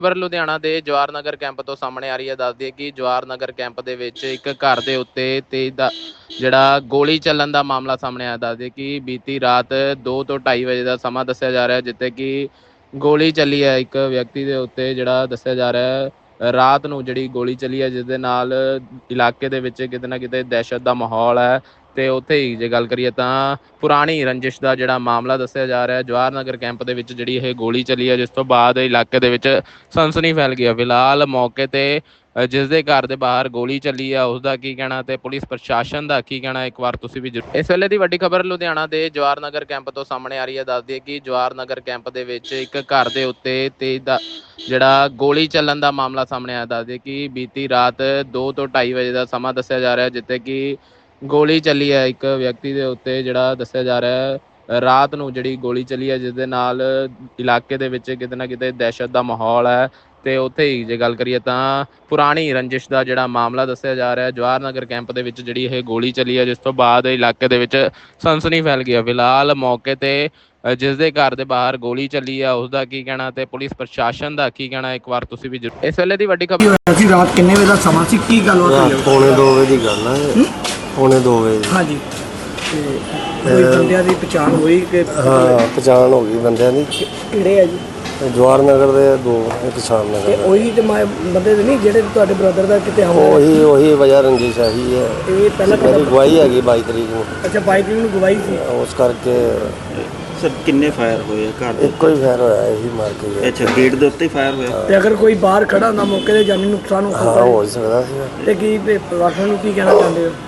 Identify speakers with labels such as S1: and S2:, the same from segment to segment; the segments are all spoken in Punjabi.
S1: ਖਬਰ ਲੁਧਿਆਣਾ ਦੇ ਜਵਾਹਰ ਨਗਰ ਕੈਂਪ ਤੋਂ ਸਾਹਮਣੇ ਆ ਰਹੀ ਹੈ। ਦੱਸ ਦਈਏ ਕਿ ਜਵਾਹਰ ਨਗਰ ਕੈਂਪ ਦੇ ਵਿੱਚ ਇੱਕ ਘਰ ਦੇ ਉੱਤੇ ਤੇਜ਼ ਦਾ ਜਿਹੜਾ ਗੋਲੀ ਚੱਲਣ ਦਾ ਮਾਮਲਾ ਸਾਹਮਣੇ ਆਇਆ। ਦੱਸ ਦਈਏ ਕਿ ਬੀਤੀ ਰਾਤ 2 ਤੋਂ 2:30 ਵਜੇ ਦਾ ਸਮਾਂ ਦੱਸਿਆ ਜਾ ਰਿਹਾ, ਜਿੱਥੇ ਕਿ ਗੋਲੀ ਚੱਲੀ ਹੈ ਇੱਕ ਵਿਅਕਤੀ ਦੇ ਉੱਤੇ, ਜਿਹੜਾ ਦੱਸਿਆ ਜਾ ਰਿਹਾ ਹੈ ਰਾਤ ਨੂੰ ਜਿਹੜੀ ਗੋਲੀ ਚੱਲੀ ਹੈ, ਜਿਸ ਦੇ ਨਾਲ ਇਲਾਕੇ ਦੇ ਵਿੱਚ ਕਿਤੇ ਨਾ ਕਿਤੇ ਦਹਿਸ਼ਤ ਦਾ ਮਾਹੌਲ ਹੈ। ਤੇ ਉੱਥੇ ਹੀ ਜੇ ਗੱਲ ਕਰੀਏ ਤਾਂ ਪੁਰਾਣੀ ਰੰਜਿਸ਼ ਦਾ ਜਿਹੜਾ ਮਾਮਲਾ ਦੱਸਿਆ ਜਾ ਰਿਹਾ, ਜਵਾਹਰ ਨਗਰ ਕੈਂਪ ਦੇ ਵਿੱਚ ਜਿਹੜੀ ਇਹ ਗੋਲੀ ਚੱਲੀ ਹੈ, ਜਿਸ ਤੋਂ ਬਾਅਦ ਇਲਾਕੇ ਦੇ ਵਿੱਚ ਸਨਸਨੀ ਫੈਲ ਗਈ ਹੈ। ਫਿਲਹਾਲ ਮੌਕੇ ਤੇ ਜਿਸ ਦੇ ਘਰ ਦੇ ਬਾਹਰ ਗੋਲੀ ਚੱਲੀ ਆ ਉਸ ਦਾ ਕੀ ਕਹਿਣਾ ਤੇ ਪੁਲਿਸ ਪ੍ਰਸ਼ਾਸਨ ਦਾ ਕੀ ਕਹਿਣਾ, ਇੱਕ ਵਾਰ ਤੁਸੀਂ ਵੀ ਇਸ ਵੇਲੇ ਦੀ ਵੱਡੀ ਖਬਰ ਲੁਧਿਆਣਾ ਦੇ ਜਵਾਹਰ ਨਗਰ ਕੈਂਪ ਤੋਂ ਸਾਹਮਣੇ ਆ ਰਹੀ ਹੈ। ਦੱਸ ਦਈਏ ਕਿ ਜਵਾਹਰ ਨਗਰ ਕੈਂਪ ਦੇ ਵਿੱਚ ਇੱਕ ਘਰ ਦੇ ਉੱਤੇ ਤੇਜ਼ ਦਾ ਜਿਹੜਾ ਗੋਲੀ ਚੱਲਣ ਦਾ ਮਾਮਲਾ ਸਾਹਮਣੇ ਆਇਆ। ਦੱਸ ਦਈਏ ਕਿ ਬੀਤੀ ਰਾਤ 2 ਤੋਂ 2:30 ਵਜੇ ਦਾ ਸਮਾਂ ਦੱਸਿਆ ਜਾ ਰਿਹਾ, ਜਿੱਥੇ ਕਿ ਗੋਲੀ ਚੱਲੀ ਹੈ ਇੱਕ ਵਿਅਕਤੀ ਦੇ ਉੱਤੇ, ਜਿਹੜਾ ਦੱਸਿਆ ਜਾ ਰਿਹਾ ਹੈ ਰਾਤ ਨੂੰ ਜਿਹੜੀ ਗੋਲੀ ਚੱਲੀ ਹੈ, ਜਿਸ ਦੇ ਨਾਲ ਇਲਾਕੇ ਦੇ ਵਿੱਚ ਕਿਤੇ ਨਾ ਕਿਤੇ ਦਹਿਸ਼ਤ ਦਾ ਮਾਹੌਲ ਹੈ। ਤੇ ਉੱਥੇ ਹੀ ਜੇ ਗੱਲ ਕਰੀਏ ਤਾਂ ਪੁਰਾਣੀ ਰੰਜਿਸ਼ ਦਾ ਜਿਹੜਾ ਮਾਮਲਾ ਦੱਸਿਆ ਜਾ ਰਿਹਾ, ਜਵਾਹਰ ਨਗਰ ਕੈਂਪ ਦੇ ਵਿੱਚ ਜਿਹੜੀ ਇਹ ਗੋਲੀ ਚੱਲੀ ਹੈ, ਜਿਸ ਤੋਂ ਬਾਅਦ ਇਲਾਕੇ ਦੇ ਵਿੱਚ ਸਨਸਨੀ ਫੈਲ ਗਈ ਹੈ। ਫਿਲਹਾਲ ਮੌਕੇ ਤੇ ਜਿਸ ਦੇ ਘਰ ਦੇ ਬਾਹਰ ਗੋਲੀ ਚੱਲੀ ਆ ਉਸ ਦਾ ਕੀ ਕਹਿਣਾ ਤੇ ਪੁਲਿਸ ਪ੍ਰਸ਼ਾਸਨ ਦਾ ਕੀ ਕਹਿਣਾ, ਇੱਕ ਵਾਰ ਤੁਸੀਂ ਵੀ ਇਸ ਵੇਲੇ ਦੀ ਵੱਡੀ ਖਬਰ
S2: ਅਸੀਂ ਰਾਤ ਕਿੰਨੇ ਵਜੇ ਦਾ ਸਮਾਂ ਸੀ, ਕੀ ਗੱਲਬਾਤ ਹੋਈ?
S3: ਪੌਣੇ 2 ਵਜੇ ਦੀ ਗੱਲ ਹੈ। ਪੌਣੇ 2 ਵਜੇ
S2: ਹਾਂਜੀ। ਤੇ ਕੋਈ ਬੰਦਿਆਂ ਦੀ ਪਛਾਣ ਹੋਈ ਕਿ
S3: ਹਾਂ, ਪਛਾਣ ਹੋ ਗਈ ਬੰਦਿਆਂ ਦੀ।
S2: ਕਿਹੜੇ ਆ ਜੀ?
S3: ਜਵਾਹਰ ਨਗਰ ਦੇ ਦੋ, ਇੱਕ ਸ਼ਾਮ
S2: ਤੇ
S3: ਨਗਰ।
S2: ਉਹੀ ਤੇ ਬੰਦੇ ਦੇ ਨਹੀਂ ਜਿਹੜੇ ਤੁਹਾਡੇ ਬ੍ਰਦਰ ਦਾ ਕਿਤੇ ਹਮਲਾ?
S3: ਉਹੀ ਵਜ੍ਹਾ ਰੰਜਿਸ਼ ਆਹੀ ਹੈ।
S2: ਇਹ ਪਹਿਲਾਂ
S3: ਮੇਰੀ ਗਵਾਹੀ ਹੈਗੀ 22 ਤਰੀਕ ਨੂੰ।
S2: ਅੱਛਾ, 22 ਤਰੀਕ ਨੂੰ ਗਵਾਹੀ ਸੀ।
S3: ਉਸ ਕਰਕੇ
S4: ਸਰ ਕਿੰਨੇ ਫਾਇਰ ਹੋਏ ਆ ਘਰ ਦੇ?
S3: ਇੱਕੋ ਹੀ ਫੈਰ ਹੋਇਆ, ਇਹੀ ਮਾਰ ਕੇ ਗਿਆ।
S4: ਅੱਛਾ, ਗੇਟ ਦੇ ਉੱਤੇ ਹੀ ਫਾਇਰ ਹੋਇਆ?
S2: ਤੇ ਅਗਰ ਕੋਈ ਬਾਹਰ ਖੜਾ ਹੁੰਦਾ ਮੌਕੇ ਤੇ ਜਾਨੀ ਨੁਕਸਾਨ ਹੋ
S3: ਹਾਂ,
S2: ਸਕਦਾ
S3: ਹੋ ਸਕਦਾ ਸੀ।
S2: ਤੇ ਕੀ ਪ੍ਰਸ਼ਾਸਨ ਨੂੰ ਕੀ ਕਹਿਣਾ ਚਾਹੁੰਦੇ ਹੋ?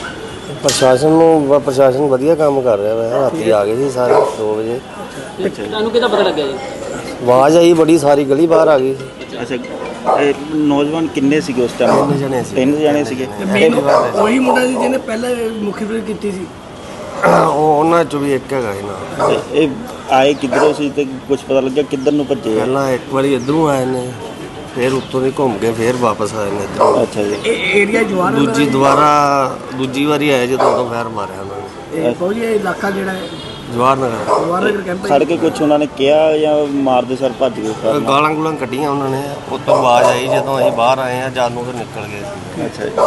S3: ਪ੍ਰਸ਼ਾਸਨ ਵਧੀਆ ਕੰਮ ਕਰ ਰਿਹਾ ਹੈ। ਰਾਤੀ ਆ ਗਏ ਸੀ ਸਾਰੇ 2 ਵਜੇ।
S2: ਤੁਹਾਨੂੰ ਕਿਹਦਾ ਪਤਾ ਲੱਗਿਆ ਜੀ?
S3: ਆਵਾਜ਼ ਆਈ ਬੜੀ, ਸਾਰੀ ਗਲੀ ਬਾਹਰ ਆ ਗਈ ਸੀ।
S4: ਅੱਛਾ, ਇਹ ਨੌਜਵਾਨ ਕਿੰਨੇ ਸੀਗੇ ਉਸ ਟਾਈਮ?
S3: 3 ਜਣੇ ਸੀ।
S4: 3 ਜਣੇ ਸੀਗੇ।
S2: ਉਹੀ ਮੁੰਡਾ ਸੀ ਜਿਹਨੇ ਪਹਿਲਾਂ ਮੁਖਬਰੀ ਕੀਤੀ ਸੀ?
S3: ਉਹਨਾਂ ਚੋਂ ਵੀ ਇੱਕ ਹੈਗਾ ਸੀ ਨਾ।
S4: ਇਹ ਆਏ ਕਿੱਧਰੋਂ ਸੀ ਤੇ ਕੁਝ ਪਤਾ ਲੱਗਿਆ ਕਿੱਧਰ ਨੂੰ ਭੱਜੇ ਆ?
S3: ਪਹਿਲਾਂ ਇੱਕ ਵਾਰੀ ਇੱਧਰੋਂ ਆਏ ਨੇ, ਫਿਰ ਉੱਤੋਂ ਦੀ ਘੁੰਮ ਕੇ ਫਿਰ ਵਾਪਸ ਆਏ ਨੇ ਇੱਧਰੋਂ।
S4: ਅੱਛਾ ਜੀ।
S2: ਇਹ ਏਰੀਆ ਜਵਾਹਰ
S3: ਦੂਜੀ ਵਾਰੀ ਆਏ ਜਦੋਂ ਉਦੋਂ ਫੈਰ ਮਾਰਿਆ ਉਹਨਾਂ ਨੇ।
S2: ਇਹ ਫੌਜੀ ਇਲਾਕਾ ਜਿਹੜਾ ਹੈ
S3: ਜਵਾਹਰ ਨਗਰ
S2: ਜਵਾਹਰ ਨਗਰ ਕੈਂਪ
S4: ਖੜ ਕੇ ਕੁਝ ਉਹਨਾਂ ਨੇ ਕਿਹਾ ਜਾਂ ਮਾਰਦੇ ਸਰ ਭੱਜ ਗਏ?
S3: ਗਾਲਾਂ ਗੁਲਾਂ ਕੱਢੀਆਂ ਉਹਨਾਂ ਨੇ। ਉੱਤੋਂ ਆਵਾਜ਼ ਆਈ ਜਦੋਂ ਅਸੀਂ ਬਾਹਰ ਆਏ ਆ, ਜਦ ਨੂੰ ਫਿਰ ਨਿਕਲ ਗਏ ਸੀ।
S4: ਅੱਛਾ ਜੀ।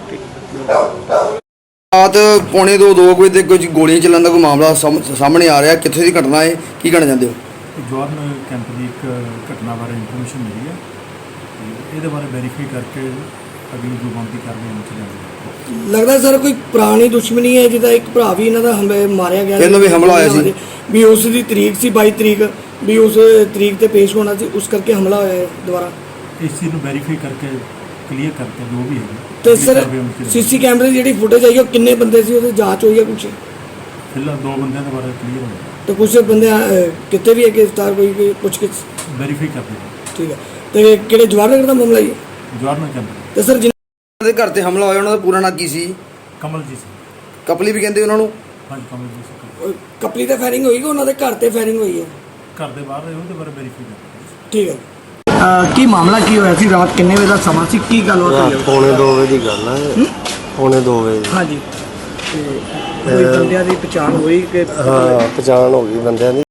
S5: ਰਾਤ ਪੌਣੇ 2 ਵਜੇ ਤੇ ਕੁਝ ਗੋਲੀਆਂ ਚੱਲਣ ਦਾ ਕੋਈ ਮਾਮਲਾ ਸਾਹਮਣੇ ਆ ਰਿਹਾ, ਕਿੱਥੇ ਦੀ ਘਟਨਾ ਹੈ, ਕੀ ਕਹਿਣਾ ਚਾਹੁੰਦੇ ਹੋ?
S6: ਜਵਾਹਰ ਨਗਰ ਕੈਂਪ ਦੀ ਇੱਕ ਘਟਨਾ ਬਾਰੇ ਇਨਫੋਰਮੇਸ਼ਨ ਮਿਲੀ ਹੈ ਤੇ ਇਹਦੇ ਬਾਰੇ ਵੈਰੀਫਾਈ ਕਰਕੇ ਅਗਲੀ ਜੋ ਬਣਦੀ ਕਾਰਵਾਈ ਅਮਲ 'ਚ ਲਿਆਂਦੀ।
S2: ਲੱਗਦਾ ਸਰ ਕੋਈ ਪੁਰਾਣੀ ਦੁਸ਼ਮਣੀ ਹੈ, ਜਿਹਦਾ ਇੱਕ ਭਰਾ ਵੀ ਇਹਨਾਂ ਦਾ ਮਾਰਿਆ ਗਿਆ
S5: ਇਹਨਾਂ ਵੀ ਹਮਲਾ ਹੋਇਆ ਸੀ
S2: ਵੀ ਉਸ ਦੀ ਤਰੀਕ ਸੀ 22 ਤਰੀਕ ਵੀ ਉਸ ਤਰੀਕ ਤੇ ਪੇਸ਼ ਹੋਣਾ ਸੀ, ਉਸ ਕਰਕੇ ਹਮਲਾ ਹੋਇਆ ਹੈ ਦੁਬਾਰਾ।
S6: ਇਸ ਚੀਜ਼ ਨੂੰ ਵੈਰੀਫਾਈ ਕਰਕੇ ਕਲੀਅਰ ਕਰਕੇ ਜੋ ਵੀ ਹੈ
S2: ਤੇ ਸਰ ਸੀਸੀ ਕੈਮਰੇ ਦੀ ਜਿਹੜੀ ਫੁਟੇਜ ਆਈ ਉਹ ਕਿੰਨੇ ਬੰਦੇ ਸੀ, ਉਹਦੀ ਜਾਂਚ ਹੋਈ ਹੈ ਕੁਛ?
S6: ਫਿਲਹਾਲ 2 ਬੰਦਿਆਂ ਦੇ ਬਾਰੇ ਕਲੀਅਰ ਹੋਇਆ,
S2: ਤੇ ਕੁਛ ਬੰਦੇ ਕਿਤੇ ਵੀ ਹੈ ਗ੍ਰਿਫਤਾਰ ਕੋਈ ਕੁਛ
S6: ਵੈਰੀਫਾਈ ਕਰਦੇ ਹਾਂ।
S2: ਠੀਕ ਹੈ। ਤੇ ਕਿਹੜੇ ਜਵਾਹਰ ਨਗਰ ਦਾ ਮਾਮਲਾ ਹੈ?
S6: ਜਵਾਹਰ ਨਗਰ ਕੈਂਪ
S2: ਤੇ ਸਰ
S5: ਦੇ ਘਰ ਤੇ ਹਮਲਾ ਹੋਇਆ, ਉਹਨਾਂ ਦਾ ਪੂਰਾ ਨਾਂ ਕੀ ਸੀ?
S6: ਕਮਲਜੀਤ ਸਿੰਘ।
S5: ਕਪਲੀ ਵੀ ਕਹਿੰਦੇ ਉਹਨਾਂ ਨੂੰ?
S6: ਹਾਂਜੀ, ਕਮਲਜੀਤ ਸਿੰਘ।
S2: ਕਪਲੀ ਤੇ ਫਾਇਰਿੰਗ ਹੋਈ ਕਿ ਉਹਨਾਂ ਦੇ ਘਰ ਤੇ ਫਾਇਰਿੰਗ ਹੋਈ ਹੈ?
S6: ਘਰ ਦੇ ਬਾਹਰ ਰਹੇ ਉਹਦੇ ਬਾਰੇ ਵੈਰੀਫਾਈ ਕਰਦੇ।
S2: ਠੀਕ ਹੈ। ਕੀ ਮਾਮਲਾ ਕੀ ਹੋਇਆ ਸੀ ਰਾਤ ਕਿੰਨੇ ਵਜੇ ਦਾ ਸਮਾਂ ਸੀ, ਕੀ ਗੱਲਬਾਤ ਹੋਈ?
S3: ਪੌਣੇ 2 ਵਜੇ ਦੀ ਗੱਲ ਹੈ। ਪੌਣੇ 2 ਵਜੇ।
S2: ਹਾਂਜੀ। ਤੇ ਕੋਈ ਬੰਦਿਆਂ ਦੀ ਪਛਾਣ ਹੋਈ ਕਿ
S3: ਹਾਂ, ਪਛਾਣ ਹੋ ਗਈ ਬੰਦਿਆਂ ਦੀ।